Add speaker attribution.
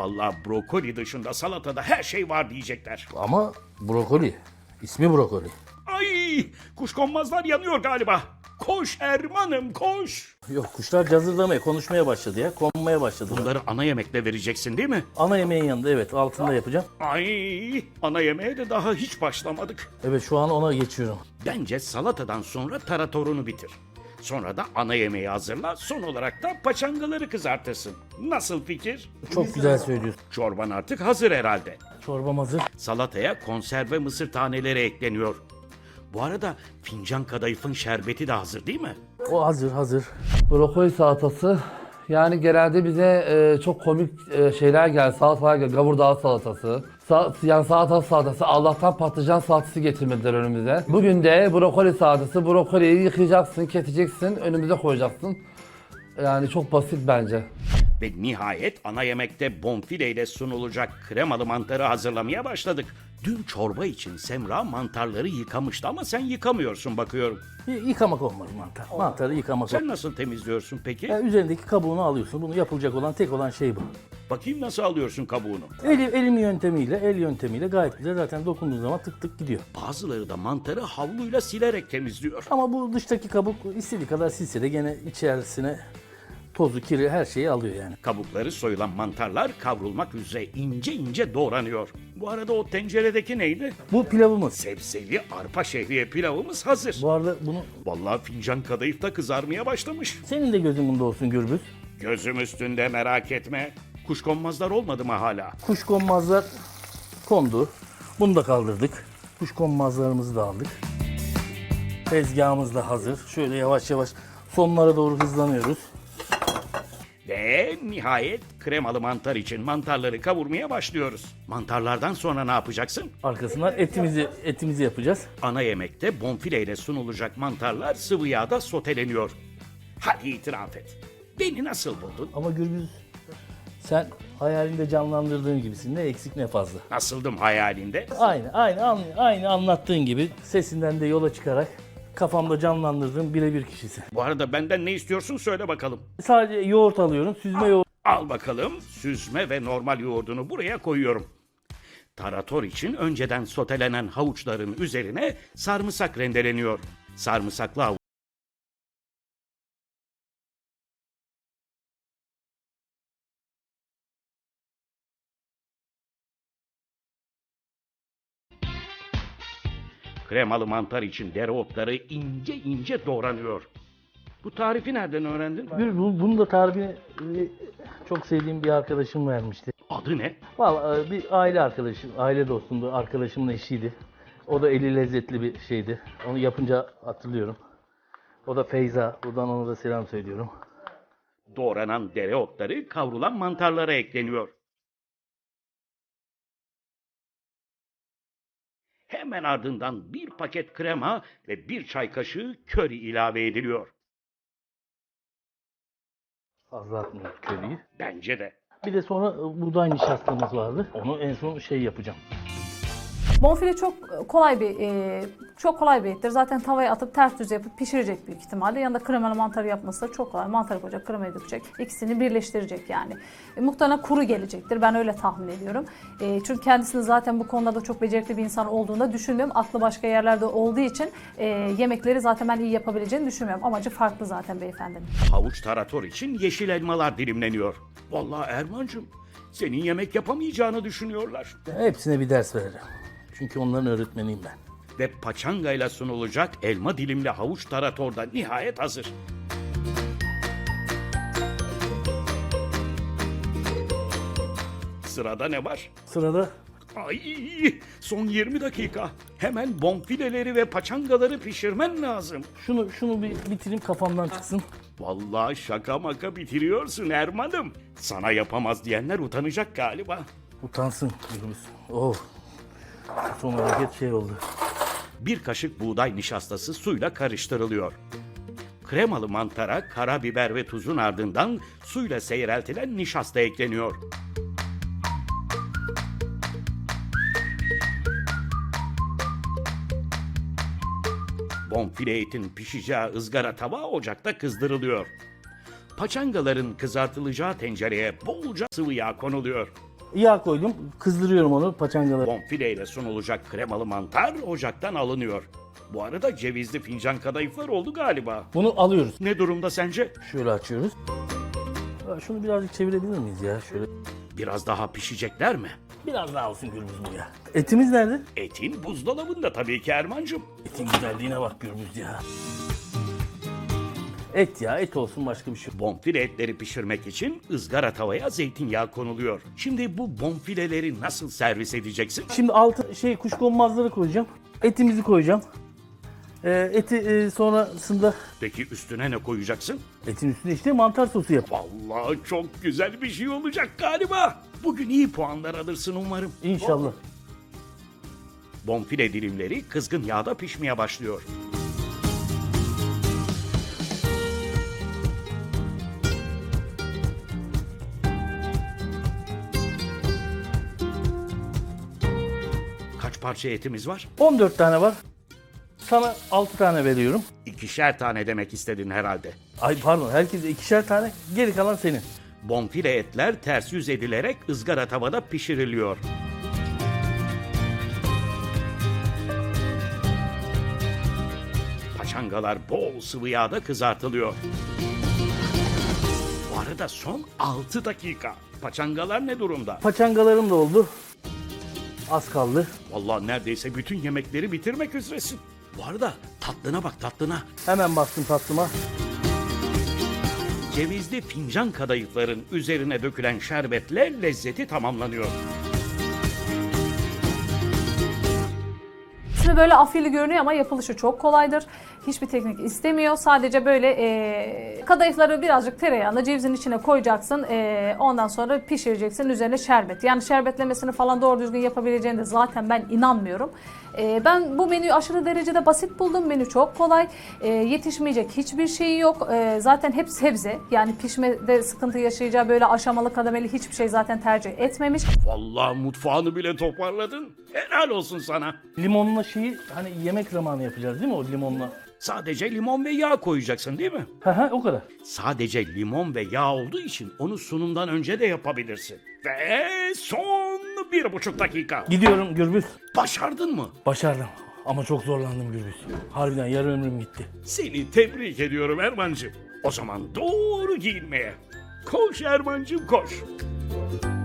Speaker 1: Vallahi brokoli dışında salatada her şey var diyecekler.
Speaker 2: Ama brokoli. İsmi brokoli.
Speaker 1: Ay, kuşkonmazlar yanıyor galiba. Koş Erman'ım koş.
Speaker 2: Yok, kuşlar cazırlamaya, konuşmaya başladı ya. Konmaya başladı.
Speaker 1: Bunları ana yemekle vereceksin değil mi?
Speaker 2: Ana yemeğin yanında, evet, altında yapacağım.
Speaker 1: Ay, ana yemeğe de daha hiç başlamadık.
Speaker 2: Evet, şu an ona geçiyorum.
Speaker 1: Bence salatadan sonra taratorunu bitir. Sonra da ana yemeği hazırla. Son olarak da paçangaları kızartırsın. Nasıl fikir?
Speaker 2: Çok güzel söylüyorsun.
Speaker 1: Çorban artık hazır herhalde.
Speaker 2: Çorbam hazır.
Speaker 1: Salataya konserve mısır taneleri ekleniyor. Bu arada fincan kadayıfın şerbeti de hazır değil mi?
Speaker 2: O hazır.
Speaker 3: Brokoli salatası. Yani genelde bize çok komik şeyler geldi. Salatalar geldi. Gavurdağ salatası. Yani salatası. Allah'tan patlıcan salatası getirmediler önümüze. Bugün de brokoli salatası. Brokoliyi yıkayacaksın, keseceksin, önümüze koyacaksın. Yani çok basit bence.
Speaker 1: Ve nihayet ana yemekte bonfile ile sunulacak kremalı mantarı hazırlamaya başladık. Dün çorba için Semra mantarları yıkamıştı ama sen yıkamıyorsun bakıyorum.
Speaker 2: Yıkamak olmaz mantar. Mantarı yıkamak olmaz.
Speaker 1: Sen nasıl temizliyorsun peki?
Speaker 2: Yani üzerindeki kabuğunu alıyorsun. Bunu yapılacak olan tek olan şey bu.
Speaker 1: Bakayım nasıl alıyorsun kabuğunu?
Speaker 2: El yöntemiyle gayet güzel, zaten dokunduğun zaman tık tık gidiyor.
Speaker 1: Bazıları da mantarı havluyla silerek temizliyor.
Speaker 2: Ama bu dıştaki kabuk istediği kadar silse de gene içerisine tozu, kiri, her şeyi alıyor yani.
Speaker 1: Kabukları soyulan mantarlar kavrulmak üzere ince ince doğranıyor. Bu arada o tenceredeki neydi?
Speaker 2: Bu pilavımız.
Speaker 1: Sebzeli arpa şehriye pilavımız hazır.
Speaker 2: Bu arada bunu
Speaker 1: Vallahi fincan kadayıf da kızarmaya başlamış.
Speaker 2: senin de gözün bunda olsun Gürbüz.
Speaker 1: Gözüm üstünde merak etme. Kuşkonmazlar olmadı mı hala?
Speaker 2: Kuşkonmazlar kondu. Bunu da kaldırdık. Kuşkonmazlarımızı da aldık. Tezgahımız da hazır. Şöyle yavaş yavaş sonlara doğru hızlanıyoruz.
Speaker 1: Ve nihayet kremalı mantar için mantarları kavurmaya başlıyoruz. Mantarlardan sonra ne yapacaksın?
Speaker 2: Arkasından etimizi yapacağız.
Speaker 1: Ana yemekte bonfile ile sunulacak mantarlar sıvı yağda soteleniyor. Hadi itiraf et. Beni nasıl buldun?
Speaker 2: Ama Gürbüz, sen hayalinde canlandırdığın gibisin. Ne eksik ne fazla.
Speaker 1: Nasıldım hayalinde?
Speaker 2: Aynı anlattığın gibi sesinden de yola çıkarak kafamda canlandırdığım birebir kişisin.
Speaker 1: Bu arada benden ne istiyorsun söyle bakalım.
Speaker 2: Sadece yoğurt alıyorum. Süzme yoğurt.
Speaker 1: Al bakalım süzme ve normal yoğurdunu buraya koyuyorum. Tarator için önceden sotelenen havuçların üzerine sarımsak rendeleniyor. Sarımsaklı havuç kremalı mantar için dereotları ince ince doğranıyor. Bu tarifi nereden öğrendin?
Speaker 2: Bunu da tarifini çok sevdiğim bir arkadaşım vermişti.
Speaker 1: Adı ne?
Speaker 2: Vallahi bir aile arkadaşım, aile dostumdu, arkadaşımın eşiydi. O da eli lezzetli bir şeydi. Onu yapınca hatırlıyorum. O da Feyza. Buradan ona da selam söylüyorum.
Speaker 1: Doğranan dereotları kavrulan mantarlara ekleniyor. Hemen ardından bir paket krema ve bir çay kaşığı köri ilave ediliyor.
Speaker 2: Fazla atmıyoruz köriyi.
Speaker 1: Bence de.
Speaker 2: Bir de sonra buğday nişastamız vardı. Onu en son yapacağım.
Speaker 4: Bonfile çok kolay bir ettir. Zaten tavaya atıp ters düz yapıp pişirecek büyük ihtimalle. Yanında kremalı mantarı yapması da çok kolay. Mantarı koyacak, kremayı dökecek. İkisini birleştirecek yani. Muhtemelen kuru gelecektir. Ben öyle tahmin ediyorum. Çünkü kendisinin zaten bu konuda da çok becerikli bir insan olduğunu düşünmüyorum. Aklı başka yerlerde olduğu için yemekleri zaten ben iyi yapabileceğini düşünmüyorum. Amacı farklı zaten beyefendinin.
Speaker 1: Havuç tarator için yeşil elmalar dilimleniyor. Vallahi Ermancığım, senin yemek yapamayacağını düşünüyorlar.
Speaker 2: Hepsine bir ders vereceğim. Çünkü onların öğretmeniyim ben.
Speaker 1: Ve paçangayla sunulacak elma dilimli havuç tarator da nihayet hazır. Sırada ne var?
Speaker 2: Sırada
Speaker 1: Ay, son 20 dakika. Hemen bonfileleri ve paçangaları pişirmen lazım.
Speaker 2: şunu bir bitireyim, kafamdan çıksın.
Speaker 1: Vallahi şaka maka bitiriyorsun Erman'ım. Sana yapamaz diyenler utanacak galiba.
Speaker 2: Utansın Gürbüz. Oh. Son hareket oldu.
Speaker 1: Bir kaşık buğday nişastası suyla karıştırılıyor. Kremalı mantara karabiber ve tuzun ardından suyla seyreltilen nişasta ekleniyor. Bonfile etin pişeceği ızgara tava ocakta kızdırılıyor. Paçangaların kızartılacağı tencereye bolca sıvı yağ konuluyor.
Speaker 2: Yağ koydum. Kızdırıyorum onu paçangaları.
Speaker 1: Bonfile ile sunulacak kremalı mantar ocaktan alınıyor. Bu arada cevizli fincan kadayıflar oldu galiba.
Speaker 2: Bunu alıyoruz.
Speaker 1: Ne durumda sence?
Speaker 2: Şöyle açıyoruz. Şunu birazcık çevirebilir miyiz ya? Şöyle.
Speaker 1: Biraz daha pişecekler mi?
Speaker 2: Biraz daha olsun Gürbüz bu ya. Etimiz nerede?
Speaker 1: Etin buzdolabında tabii ki Erman'cığım.
Speaker 2: Etin güzelliğine bak Gürbüz ya. Et ya, et olsun, başka bir şey yok.
Speaker 1: Bonfile etleri pişirmek için ızgara tavaya zeytinyağı konuluyor. Şimdi bu bonfileleri nasıl servis edeceksin?
Speaker 2: Şimdi altı kuşkonmazları koyacağım. Etimizi koyacağım. Eti sonrasında
Speaker 1: Peki üstüne ne koyacaksın?
Speaker 2: etin üstüne işte mantar sosu yap.
Speaker 1: Vallahi çok güzel bir şey olacak galiba. Bugün iyi puanlar alırsın umarım.
Speaker 2: İnşallah.
Speaker 1: Bonfile dilimleri kızgın yağda pişmeye başlıyor. Kaç parça etimiz var?
Speaker 2: 14 tane var. Sana 6 tane veriyorum.
Speaker 1: İkişer tane demek istedin herhalde.
Speaker 2: Ay pardon, herkese ikişer tane. Geri kalan senin.
Speaker 1: Bonfile etler ters yüz edilerek ızgara tavada pişiriliyor. Paçangalar bol sıvı yağda kızartılıyor. Bu arada son 6 dakika. Paçangalar ne durumda?
Speaker 2: Paçangalarım da oldu. Az kaldı.
Speaker 1: Vallahi neredeyse bütün yemekleri bitirmek üzeresin. Bu arada tatlına bak tatlına.
Speaker 2: Hemen bastım tatlıma.
Speaker 1: Cevizli fincan kadayıfların üzerine dökülen şerbetle lezzeti tamamlanıyor.
Speaker 4: İsmi böyle afili görünüyor ama yapılışı çok kolaydır. Hiçbir teknik istemiyor. Sadece böyle kadayıfları birazcık tereyağında cevizin içine koyacaksın. Ondan sonra pişireceksin. Üzerine şerbet. Yani şerbetlemesini falan doğru düzgün yapabileceğine de zaten ben inanmıyorum. Ben bu menüyü aşırı derecede basit buldum. Menü çok kolay. Yetişmeyecek hiçbir şeyi yok. Zaten hep sebze. Yani pişmede sıkıntı yaşayacağı böyle aşamalı kademeli hiçbir şey zaten tercih etmemiş.
Speaker 1: Vallahi mutfağını bile toparladın. Helal olsun sana.
Speaker 2: Limonla hani yemek zamanı yapacağız değil mi o limonla?
Speaker 1: Sadece limon ve yağ koyacaksın değil mi?
Speaker 2: O kadar.
Speaker 1: Sadece limon ve yağ olduğu için onu sunumdan önce de yapabilirsin. Ve son 1,5 dakika.
Speaker 2: Gidiyorum Gürbüz.
Speaker 1: Başardın mı?
Speaker 2: Başardım. Ama çok zorlandım Gürbüz. Harbiden yarı ömrüm gitti.
Speaker 1: Seni tebrik ediyorum Erman'cığım. O zaman doğru giyinmeye. Koş Erman'cığım koş.